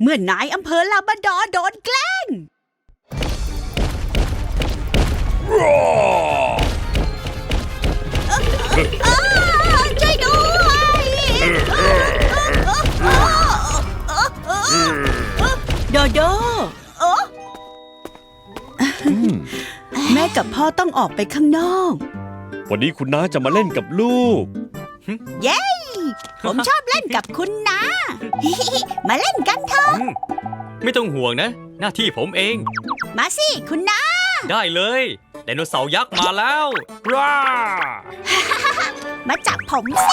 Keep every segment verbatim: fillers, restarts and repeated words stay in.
มื่อนายอำเภอลาบราดอร์โดนแกล้งช่วยด้วยโดโดแม่กับพ่อต้องออกไปข้างนอกวันนี้คุณน้าจะมาเล่นกับลูกเย้ผมชอบเล่นกับคุณน้ามาเล่นกันเถอะไม่ต้องห่วงนะหน้าที่ผมเองมาสิคุณน้าได้เลยไดโนเสาร์ยักษ์มาแล้วว้ามาจับผมสิ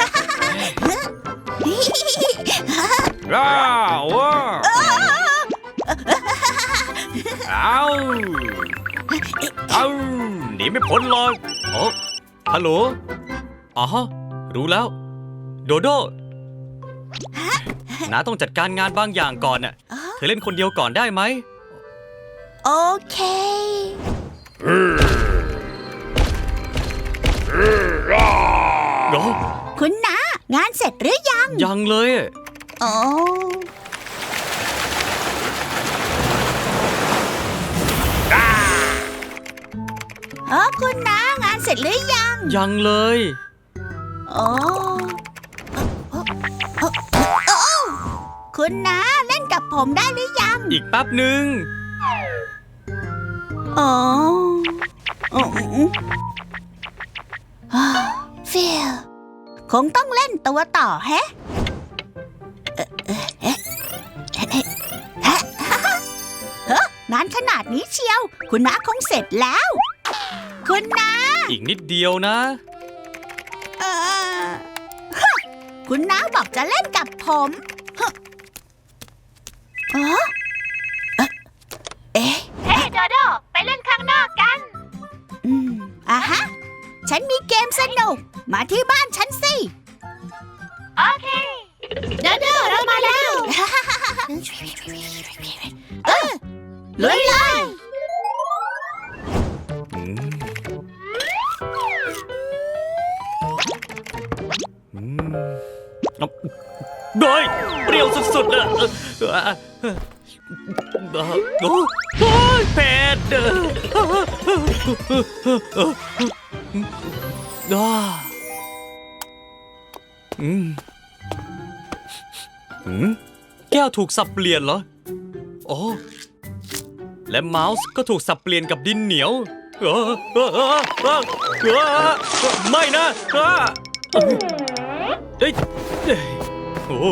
ว้าวว้าเอาเอาหนีไม่พ้นหรอกโอ้ฮัลโหลอ๋อรู้แล้วโดโดน้าต้องจัดการงานบางอย่างก่อนน่ะเธอเล่นคนเดียวก่อนได้ไหมโอเคคุณน้างานเสร็จหรือยังยังเลยโอ้เออคุณน้างานเสร็จหรือยังยังเลยโอ้คุณน้าเล่นกับผมได้หรือยังอีกแป๊บหนึ่งโอ้โอ้ฟิลคงต้องเล่นตัวต่อแฮะเฮ้งานขนาดนี้เชียวคุณน้าคงเสร็จแล้วคุณน้าอีกนิดเดียวนะเออคุณน้าบอกจะเล่นกับผมเออเอ๊ะเฮ้โดโดไปเล่นข้างนอกกันอืมอ่ะฮะฉันมีเกมสนุกมาที่บ้านฉันสิโอเคโดโดเรามาแล้วเออลุยเลยโดยเปรี้ยวสุดๆเลยโอ้ยเผ็ดด้าอืมอืมแก้วถูกสับเปลี่ยนเหรอโอ้และเมาส์ก็ถูกสับเปลี่ยนกับดินเหนียวไม่นะเฮ้ยโอ้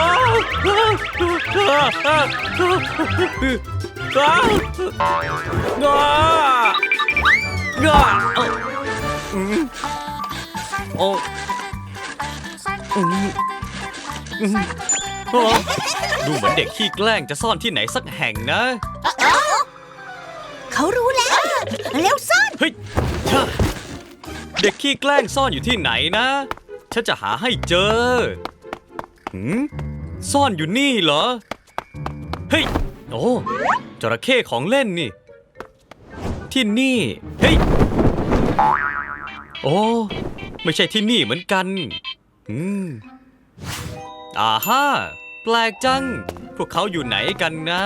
ก้าก้าก้าโอ้ดูเหมือนเด็กขี้แกล้งจะซ่อนที่ไหนสักแห่งนะเขารู้แล้วเร็วซ่อนเฮ้ยเด็กขี้แกล้งซ่อนอยู่ที่ไหนนะฉันจะหาให้เจอหืมซ่อนอยู่นี่เหรอเฮ้ยโอ้จระเข้ของเล่นนี่ที่นี่เฮ้ยโอ้ไม่ใช่ที่นี่เหมือนกันอืมอ่าฮ่าแปลกจังพวกเขาอยู่ไหนกันนะ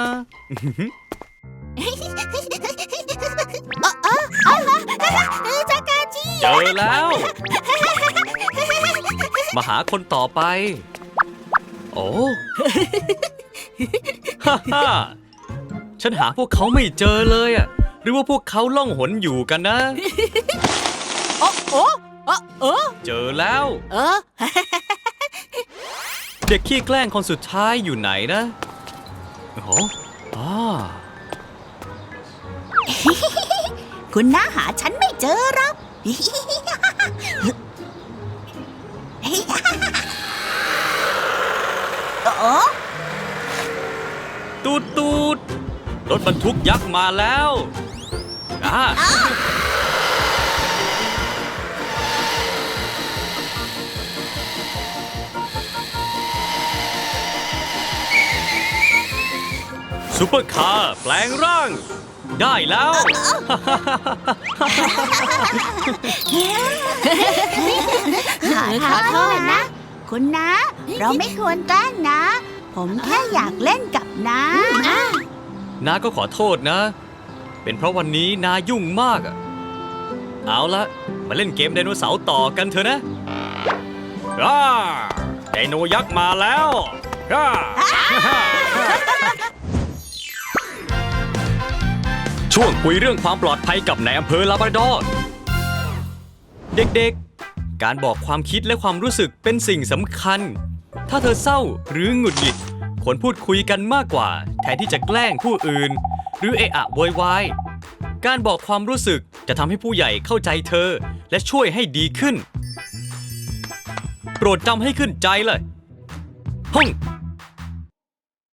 เจอแล้วมาหาคนต่อไปโอ้ฮ่าฮ่าฉันหาพวกเขาไม่เจอเลยอ่ะหรือว่าพวกเขาล่องหนอยู่กันนะโอ้โอ้โอ้เจอแล้วเออเด็กขี้แกล้งคนสุดท้ายอยู่ไหนนะโอ้อ่าคุณน้าหาฉันไม่เจอหรอกโอ้ตูดตูดรถบรรทุกยักษ์มาแล้วอ่าซุปเปอร์คาร์แปลงร่างได้แล้วขอโทษนะคุณน้าเราไม่ควรแกล้งนะผมแค่อยากเล่นกับน้าน้าก็ขอโทษนะ เป็นเพราะวันนี้น้ายุ่งมากอะเอาละมาเล่นเกมไดโนเสาร์ต่อกันเถอะนะอ่าไดโนยักษ์มาแล้วอ่า ช่วงคุยเรื่องความปลอดภัยกับนายอำเภอลาบราดอร์เด็กๆ การบอกความคิดและความรู้สึกเป็นสิ่งสำคัญ ถ้าเธอเศร้าหรือหงุดหงิดควรพูดคุยกันมากกว่าแทนที่จะแกล้งผู้อื่น หรือเอะอะโวยวายการบอกความรู้สึกจะทำให้ผู้ใหญ่เข้าใจเธอและช่วยให้ดีขึ้น โปรดจำให้ขึ้นใจเลยห้อง